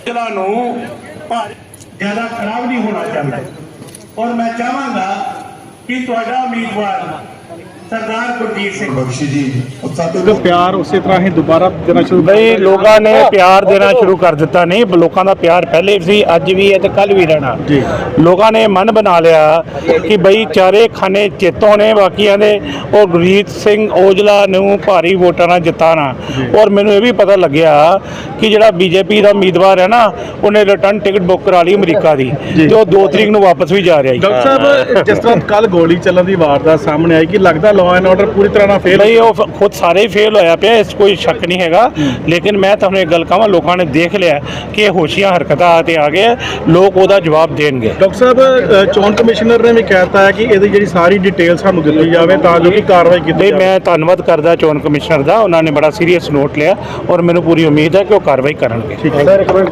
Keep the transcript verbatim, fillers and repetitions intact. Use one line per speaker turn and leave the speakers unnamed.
ਜ਼ਿਲ੍ਹਾ ਨੂੰ ਜ਼ਿਆਦਾ ਖਰਾਬ ਨਹੀਂ ਹੋਣਾ ਚਾਹੁੰਦਾ ਔਰ ਮੈਂ ਚਾਹਾਂਗਾ ਕਿ ਤੁਹਾਡਾ ਉਮੀਦਵਾਰ सरदार गुरजीत सिंह बख्शी जी
तो प्यार उसी तरह ही दोबारा देना शुरू
बई लोगों ने प्यार देना शुरू कर दिता नहीं लोगों का प्यार पहले भी अज भी है तो कल भी रहना
जी
लोगों ने मन बना लिया कि बई चारे खाने चेतों ने बाकिया ने और गुरजीत सिंह औजला नूं भारी वोटां नाल जिताना और मैनूं ये भी पता लग्या कि जिहड़ा बीजेपी का उम्मीदवार है ना उन्हें रिटर्न टिकट बुक करा ली अमरीका की जो दो तरीक नूं वापस भी जा रहा है।
डॉक्टर साहब जिस तरह कल गोली चलन की वारदात सामने आई कि लगता लॉ एंड ऑर्डर पूरी तरह ना फेल
नहीं वो खुद सारे ही फेल होया पे इस कोई शक नहीं हैगा लेकिन मैं तुहानूं एक गल कहां लोगों ने देख लिया कि होशियां हरकतां ते आ गए लोग ओहदा जवाब देणगे।
डॉक्टर साहब चोन कमिश्नर ने भी कहता है कि इहदी जिहड़ी सारी डिटेल सानूं दित्ती जावे तां जो कि कार्रवाई कीती जावे।
मैं धन्नवाद करदा चोन कमिश्नर दा उन्होंने बड़ा सीरीयस नोट लिया और मैनूं पूरी उम्मीद है कि वो कार्रवाई करनगे।